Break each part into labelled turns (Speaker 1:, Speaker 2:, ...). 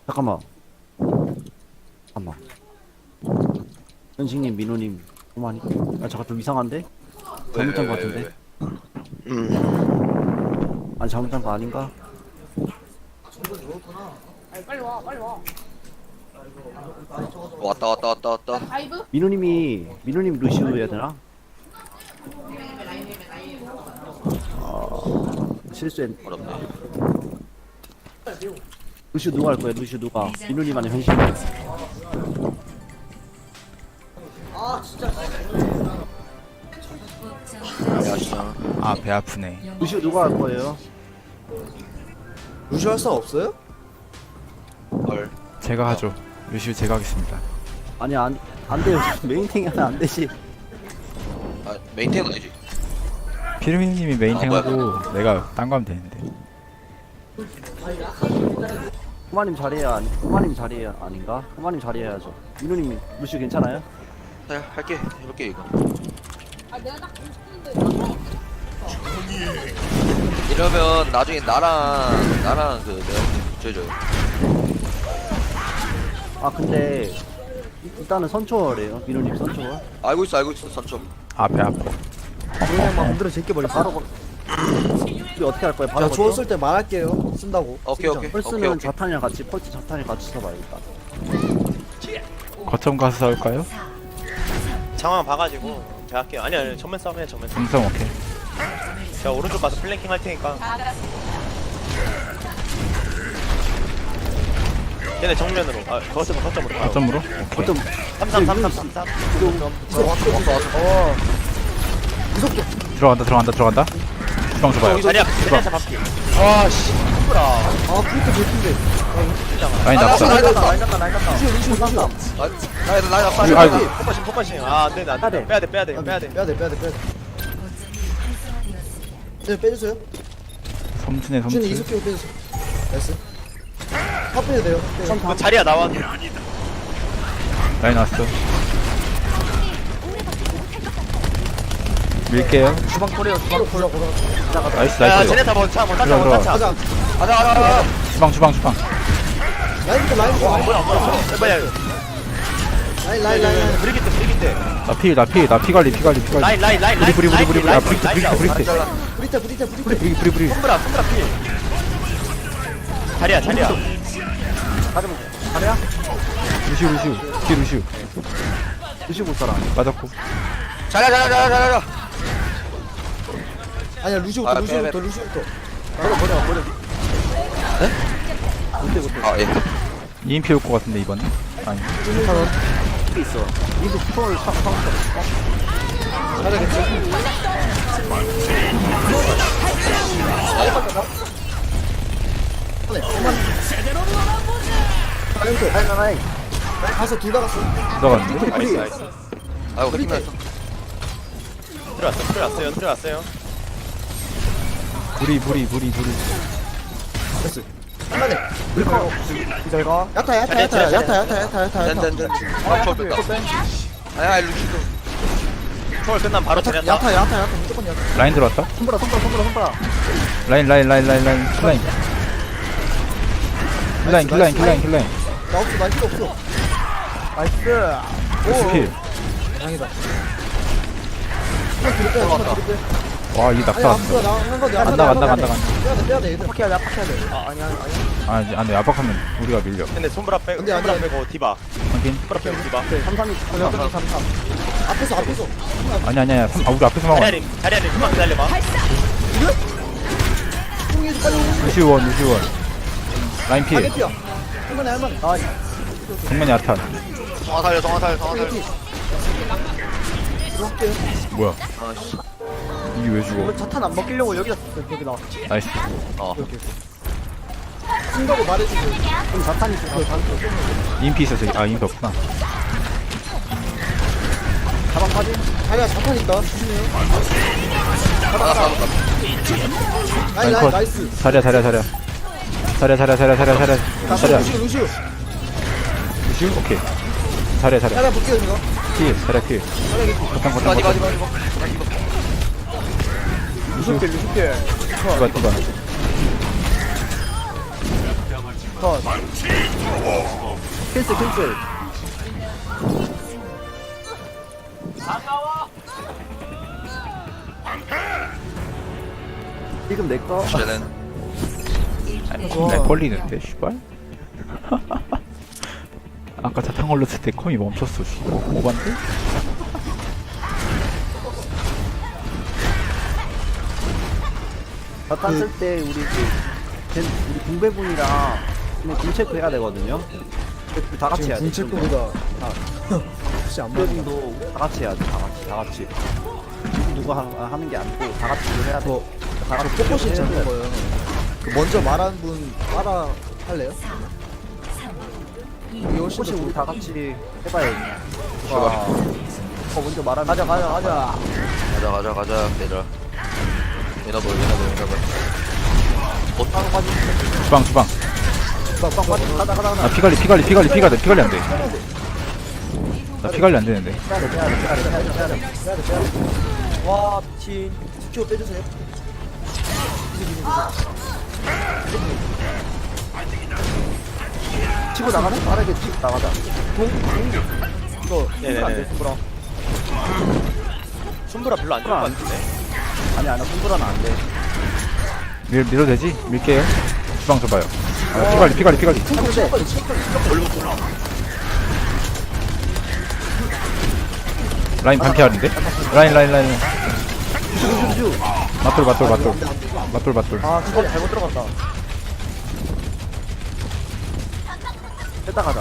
Speaker 1: 잠깐만. 잠깐만. 현식님, 민호님, 그만이. 아, 잠깐 좀 이상한데? 잘못한 거 같은데? 아니, 잘못한 거 아닌가?
Speaker 2: 빨리 와, 빨리 와.
Speaker 3: 왔다.
Speaker 2: 다이브?
Speaker 1: 민호님 루시우 해야 되나? 실수했.
Speaker 3: 어렵네.
Speaker 1: 루시우 누가 할 거야? 루시우 누가? 민호님 아니면 현식?
Speaker 3: 야, 진짜.
Speaker 4: 아, 배 아프네.
Speaker 1: 루시우 누가 할 거예요?
Speaker 5: 루시 할 사람 없어요?
Speaker 3: 헐.
Speaker 4: 제가 하죠. 루시우 제가 하겠습니다.
Speaker 1: 아니, 안 돼요. 메인탱이 하면 안 되지.
Speaker 3: 아, 메인테인 아니지.
Speaker 4: 피르미님이 메인탱하고 내가 딴 거 하면 되는데.
Speaker 1: 호마님 자리해야 호마님 자리해야 아닌가? 호마님 자리해야죠. 민호님 루시우 괜찮아요?
Speaker 3: 자, 할게. 해볼게, 이거.
Speaker 2: 아, 내가 딱 보고 싶은데.
Speaker 3: 이러면 나중에 나랑 그, 내가 줘줘요.
Speaker 1: 아 근데 일단은 선초월이에요. 민호님 선초월.
Speaker 3: 알고 있어, 선점.
Speaker 4: 아, 배 아파.
Speaker 5: 그냥 막 흔들어 제껴버려.
Speaker 1: 바로 우리 어떻게 할 거예요? 바로
Speaker 5: 제가 주웠을 때 말할게요. 쓴다고.
Speaker 3: 오케이.
Speaker 1: 펄스는
Speaker 3: 오케이.
Speaker 1: 자탄이랑 같이 펄스 자탄이랑 같이 써봐야겠다.
Speaker 4: 거점 가서 싸울까요?
Speaker 6: 상황 봐가지고 제가 할게요. 아니 전면 싸움 해 전면 싸움.
Speaker 4: 음성 오케이.
Speaker 6: 제가 오른쪽 가서 플랭킹 할 테니까. 얘네 정면으로. 아 거점으로.
Speaker 4: 거점으로? 오케이.
Speaker 1: 어떤
Speaker 6: 33.
Speaker 4: 들어간다. 주방 줘봐요.
Speaker 6: 자리야 잡았기. 아씨 힘들어.
Speaker 5: 아, 프리트 개핀데.
Speaker 4: 라인 잡자.
Speaker 5: 루시.
Speaker 4: 아이고.
Speaker 6: 폭파신. 아 안돼 안돼. 빼야돼.
Speaker 5: 빼야돼. 네, 빼주세요.
Speaker 4: 섬진의
Speaker 5: 루시는
Speaker 4: 섬진.
Speaker 5: 이속기로 빼주세요. 나이스. 탑 빼야 돼요.
Speaker 6: 그 자리야 나와.
Speaker 4: 라인 왔어. 밀게요.
Speaker 5: 주방 코리아.
Speaker 4: 나이스.
Speaker 6: 야 쟤네 다 먼저
Speaker 4: 들어가.
Speaker 6: 먼저.
Speaker 5: 가자.
Speaker 4: 주방.
Speaker 5: 라인부터.
Speaker 6: 뭐야
Speaker 5: 라인.
Speaker 6: 브리기트.
Speaker 4: 나 피 관리.
Speaker 6: 라인.
Speaker 4: 브리. 아, 브리트.
Speaker 5: 프리트.
Speaker 6: 손브라 필. 자리야.
Speaker 1: 자리야?
Speaker 4: 루시우. 뒤 루시우.
Speaker 1: 루시우 못 살아.
Speaker 4: 맞았고.
Speaker 3: 자자.
Speaker 5: 아니야,
Speaker 3: 아,
Speaker 5: 루시부터.
Speaker 1: 버려.
Speaker 3: 아, 예.
Speaker 4: EMP 올 것 같은데 이번에. 아니.
Speaker 1: 이게 있어. 이거 스포를 참 라인.
Speaker 5: 가서 둘 다 갔어.
Speaker 4: 들어갔는데.
Speaker 6: 나이스.
Speaker 3: 아이고, 힘났어.
Speaker 6: 들어왔어요.
Speaker 4: 브리.
Speaker 5: 한마디.
Speaker 1: 기다려.
Speaker 5: 야타.
Speaker 3: 짠. 아, 저 뺐다. 아야, 루시도.
Speaker 6: 초월 끝나면 바로 자리야.
Speaker 5: 야타. 무조건 야타.
Speaker 4: 라인 들어왔다.
Speaker 1: 손보라.
Speaker 4: 라인. 킬라인.
Speaker 5: 나 없어.
Speaker 1: 나이스.
Speaker 4: 스킬.
Speaker 5: 다행이다. 한번 뒤로 빼.
Speaker 4: 와, 이 낙사 왔어. 안 나가.
Speaker 5: 빼야돼, 얘들.
Speaker 1: 압박해야 돼.
Speaker 4: 아, 이제 안 돼. 압박하면 우리가 밀려.
Speaker 6: 근데 손브라 빼고
Speaker 5: 근데 안
Speaker 6: 손브라
Speaker 5: 돼.
Speaker 6: 빼고 디바.
Speaker 4: 확인.
Speaker 6: 손브라 빼고 디바.
Speaker 1: 33.
Speaker 5: 앞에서.
Speaker 4: 아니야. 우리 앞에서 막아.
Speaker 6: 자리야 좀만 기다려봐.
Speaker 5: 뚱이도 빨리 오는
Speaker 4: 루시원. 라인 피.
Speaker 5: 가게피야. 할만해.
Speaker 4: 정면 야탄.
Speaker 3: 정화 살려.
Speaker 5: 들어올게요.
Speaker 4: 뭐야?
Speaker 3: 아씨.
Speaker 4: 이게 왜 죽어?
Speaker 1: 자탄 안 먹히려고 여기다 여기다.
Speaker 4: 나이스.
Speaker 5: 쓴다고 말해주고.
Speaker 1: 그럼 자탄이 있어.
Speaker 4: 인피 있어 저기. 아, 인피 없구나.
Speaker 1: 가방 빠지.
Speaker 5: 자리야, 자판 있다. 조심해요.
Speaker 4: 라인
Speaker 5: 라인,
Speaker 4: 컷.
Speaker 5: 나이스.
Speaker 4: 자리야.
Speaker 5: 루시오.
Speaker 4: 루시우? 오케이. 자리야.
Speaker 5: 자리야, 볼게요, 제가.
Speaker 4: 자리야 피. 거점.
Speaker 1: 루시필.
Speaker 4: 디바.
Speaker 5: 컷.
Speaker 1: 캔슬 캔슬. 지금 내 거.
Speaker 3: 쟤는
Speaker 4: 날 걸리는데 씨발. 아까 자탄 걸렸을 때 컴이 멈췄어. 씨발. 오반데?
Speaker 1: 자탄 쓸때 우리 공배분이랑 그냥 공체크 해야 되거든요. 다 같이 해야 돼.
Speaker 5: 군체크보다 혹시 안 맞나?
Speaker 1: 공배분도 다 같이 해야 돼. 다 같이. 누가 하는 게 아니고 다 같이 해야 돼. 다 같이
Speaker 5: 포커싱
Speaker 1: 해야
Speaker 5: 잡는
Speaker 1: 돼.
Speaker 5: 거예요. 그 먼저 말한 분 따라 할래요? 이게 훨씬
Speaker 1: 혹시
Speaker 5: 더
Speaker 1: 우리
Speaker 5: 좋을
Speaker 1: 다 같이 해봐야지. 누가 먼저 말하면 가자.
Speaker 3: 가자 얘들아. 얘나볼.
Speaker 4: 주방.
Speaker 1: 가자.
Speaker 4: 나 피관리 안 돼. 나 피관리 안 되는데.
Speaker 1: 해야 돼. 와 미친.
Speaker 5: 큐 빼주세요.
Speaker 1: 치고 나가자. 빠르게 치고 나가자. 이거
Speaker 6: 네네네.
Speaker 1: 안돼 손브라.
Speaker 6: 손보라 별로 안 좋을 것 같은데.
Speaker 1: 아니 손브라는 안 돼.
Speaker 4: 밀어도 되지? 밀게요. 주방 줘봐요. 아, 피관리.
Speaker 1: 근데
Speaker 4: 라인 반피알인데? 라인.
Speaker 1: 슈슈슈.
Speaker 4: 맞돌.
Speaker 1: 아 그거 잘못 들어갔다. 뺐다 가자.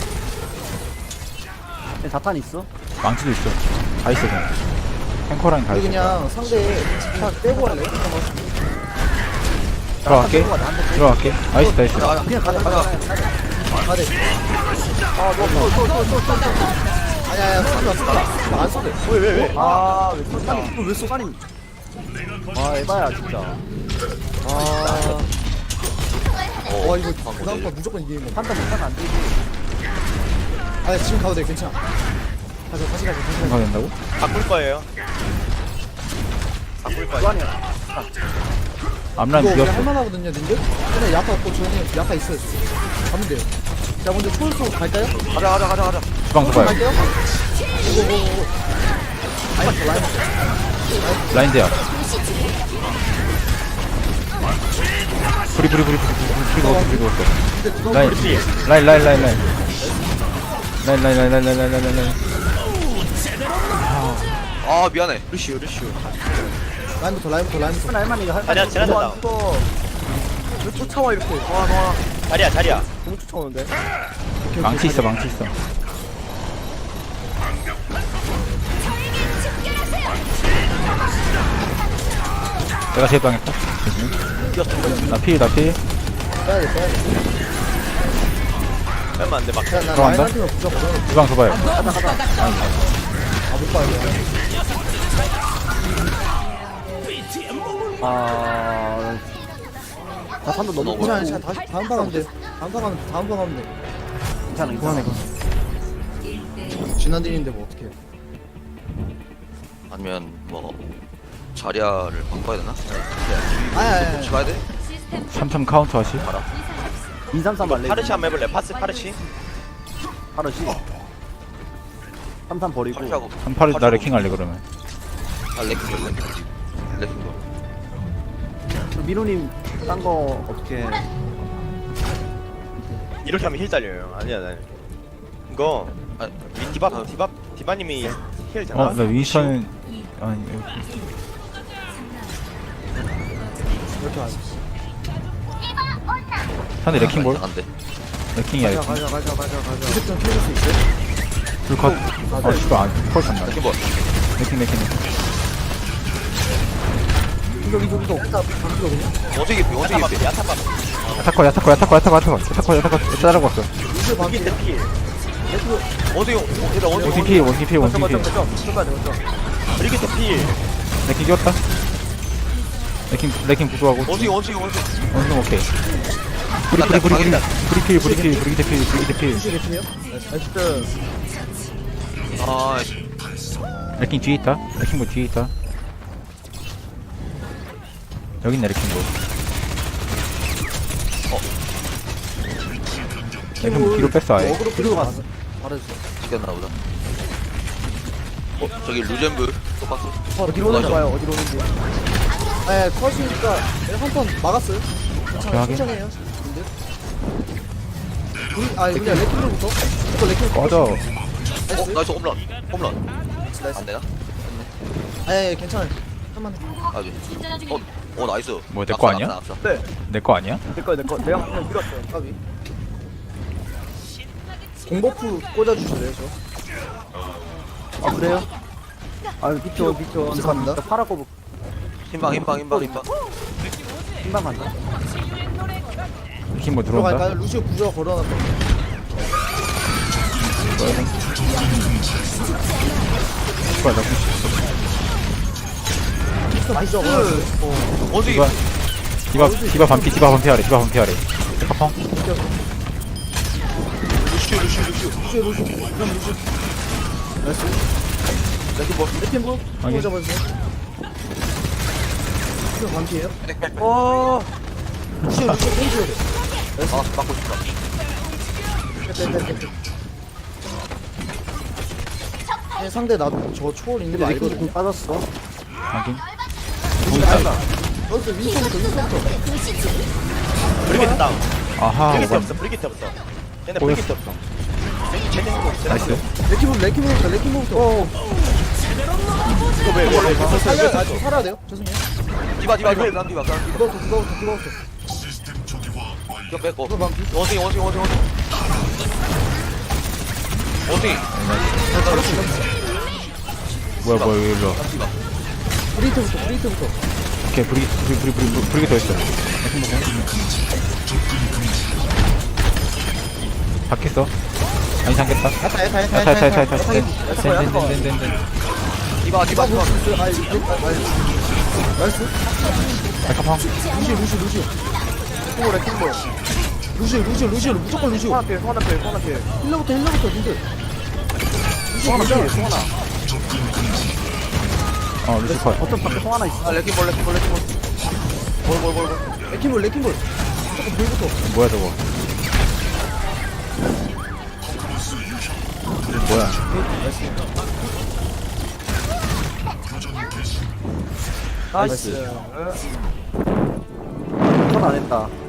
Speaker 1: 얘 자탄 있어?
Speaker 4: 망치도 있어. 다 있어 그냥. 탱커라인 다
Speaker 5: 우리
Speaker 4: 있어.
Speaker 5: 그냥 상대 다 빼고 할래요?
Speaker 4: 들어갈게. 나이스.
Speaker 1: 그냥 가자.
Speaker 5: 가대. 아니야, 쏘지 안 쏘대.
Speaker 6: 왜?
Speaker 1: 아왜 쏘냐? 왜 쏘가니? 아 에바야 진짜.
Speaker 5: 와, 이거 다음 판 무조건 이기는 거.
Speaker 1: 판단 못하면 안 되지.
Speaker 5: 아니, 지금 가도 돼, 괜찮아. 다시 가자.
Speaker 4: 가야 된다고?
Speaker 6: 바꿀 거예요.
Speaker 1: 쏘아니야.
Speaker 4: 앞라인
Speaker 5: 이거 우리
Speaker 4: 비었어.
Speaker 5: 할만하거든요, 님들? 근데 야타 없고 저는 야타 있어요. 가면 돼요. 자, 먼저 초월소 갈까요?
Speaker 3: 가자.
Speaker 4: 주방 줘봐요.
Speaker 5: 갈게요. 오고고고.
Speaker 4: 라인 대야. 브리 넣었어.
Speaker 5: 근데 그거
Speaker 4: 라인.
Speaker 3: 아 미안해.
Speaker 6: 루시우.
Speaker 5: 라인부터.
Speaker 1: 할만해 이거 할만해.
Speaker 6: 아니야, 지나쳤다.
Speaker 5: 왜 쫓아와, 이렇게.
Speaker 6: 자리야.
Speaker 5: 너무 쫓아오는데?
Speaker 4: 망치 있어. 내가 제일 당했다. 나 필.
Speaker 5: 빼야 돼.
Speaker 6: 얼마 안 돼, 막.
Speaker 5: 나
Speaker 4: 들어간다?
Speaker 5: 라인한테는 부족하거든.
Speaker 4: 주방 줘봐요.
Speaker 5: 못 봐요.
Speaker 1: 자탄도 너무
Speaker 5: 괜찮아. 다시 다음 판 하면 돼. 다음 판 하면 돼.
Speaker 1: 괜찮아.
Speaker 5: 진난딜인데 뭐 어떡해.
Speaker 3: 아니면 뭐 자리아를 바꿔야 되나?
Speaker 5: 아야.
Speaker 3: 집어야 돼?
Speaker 4: 3점 카운터 하시.
Speaker 1: 233 말래.
Speaker 6: 파르시 한번 해볼래? 파르시?
Speaker 1: 파르시. 33 버리고.
Speaker 3: 파르시하고
Speaker 4: 38을 나 레킹 할래 그러면.
Speaker 3: 레킹
Speaker 1: 미로님 딴 거 어떻게?
Speaker 6: 이렇게 하면 힐 달려요. 아니야. 이거
Speaker 3: 아,
Speaker 6: 디바님이 힐 되나?
Speaker 4: 나 윈스턴은 아니
Speaker 5: 이렇게 하자.
Speaker 4: 상대 레킹 볼.
Speaker 3: 안돼.
Speaker 4: 레킹이야 레킹.
Speaker 5: 가자. 무조건 켜줄 수 있어요?
Speaker 4: 불컷. 씨발 안 펄 탔나.
Speaker 3: 레킹 볼.
Speaker 4: 레킹.
Speaker 5: 이거. 반피거든요?
Speaker 3: 어제 개피.
Speaker 6: 야타밥.
Speaker 4: 야타커 따라고 왔어.
Speaker 5: 이게
Speaker 6: 여기
Speaker 5: 반피야?
Speaker 6: 대필.
Speaker 3: 어제
Speaker 4: 원팀
Speaker 1: 맞죠.
Speaker 6: 여기 대필.
Speaker 4: 레킹 끼웠다. 레킹 부수하고.
Speaker 3: 원숭이.
Speaker 4: 원숭이 오케이. 브리 대필.
Speaker 5: 이게 레킹이요? 나이스.
Speaker 3: 아
Speaker 4: 레킹 뒤에 있다. 레킹 볼 뒤에 있다. 여기 있네 레킹 볼. 형 뒤로 뺐어 아예.
Speaker 5: 어그로
Speaker 1: 뒤로
Speaker 5: 끌고
Speaker 1: 갔어.
Speaker 5: 말해주세요.
Speaker 3: 시켰나 보다. 저기 루젠브 똑같어.
Speaker 1: 어디로 오는지 봐요. 어디로 오는지.
Speaker 5: 네, 컷이니까 한번 막았어요. 괜찮아요.
Speaker 4: 확인.
Speaker 5: 천천히 해요. 근데 그냥 레킹볼부터. 이거 레킹볼
Speaker 4: 꺼져.
Speaker 5: 나이스.
Speaker 3: 나이스 홈런. 홈런.
Speaker 5: 나이스.
Speaker 3: 안 되나?
Speaker 5: 예, 괜찮아요. 한번
Speaker 3: 아주. 나이스.
Speaker 4: 뭐야, 내거 아니야?
Speaker 3: 낙사.
Speaker 1: 네.
Speaker 4: 내 거 아니야?
Speaker 1: 내거 내가 그냥 밀었어요.
Speaker 5: 까비. 공버프 꽂아주실래요, 저?
Speaker 1: 아 그래요? 아 미쳐 미쳐.
Speaker 5: 감사합니다.
Speaker 1: 파라고
Speaker 3: 흰방.
Speaker 1: 흰방 간다.
Speaker 4: 힘 뭐 들어온다.
Speaker 5: 들어갈까요? 루시오 구조가 걸어놨다.
Speaker 4: 뭐야 나
Speaker 5: 구조 걸어놨어요.
Speaker 3: 어디?
Speaker 4: 디바 반피 아래. 디바 반피 아래. 카펑.
Speaker 3: 루시오.
Speaker 5: 루시오. 그럼 루시오. 나이스. 레킹볼
Speaker 4: 확인.
Speaker 5: 잡아주세요. 루시오 반피에요?
Speaker 1: 어.
Speaker 5: 루시오 페이지로 돼.
Speaker 3: 아, 맞고 싶다.
Speaker 5: 네, 상대 나도 저 초월 있는 거
Speaker 1: 근데 레킹
Speaker 5: 알거든요.
Speaker 1: 빠졌어.
Speaker 4: 확인.
Speaker 5: 여기서 윈스턴부터.
Speaker 6: 브리기트 다운.
Speaker 4: 아하.
Speaker 6: 브리기트
Speaker 4: 오반.
Speaker 6: 없어. 브리기트 없어. 얘네
Speaker 4: 보였어.
Speaker 6: 브리기트 없어. 쟤네 거.
Speaker 4: 나이스.
Speaker 5: 레킹볼부터.
Speaker 6: 이거 왜
Speaker 5: 살아야 돼요. 죄송해요.
Speaker 3: 디바. 난 디바.
Speaker 5: 그거부터.
Speaker 3: 이거 뺐고.
Speaker 5: 그거 방피.
Speaker 3: 원숭이.
Speaker 4: 뭐야 일로.
Speaker 5: 브리트부터.
Speaker 4: 오케이 브리기 더 했어. 바뀌었어. 아니 잠겼다. 야타. 된.
Speaker 3: 디바.
Speaker 5: 나이스.
Speaker 4: 카펑.
Speaker 5: 루시오. 무조건 루시오.
Speaker 1: 소나필.
Speaker 5: 힐러부터 님들.
Speaker 1: 소나.
Speaker 4: 루시 컷.
Speaker 1: 어떤 밖에 소 하나 있어.
Speaker 3: 아, 레킹볼.
Speaker 5: 레킹볼. 무조건 불부터.
Speaker 4: 뭐야 저거. 뭐야.
Speaker 1: 나이스. 컷안 했다.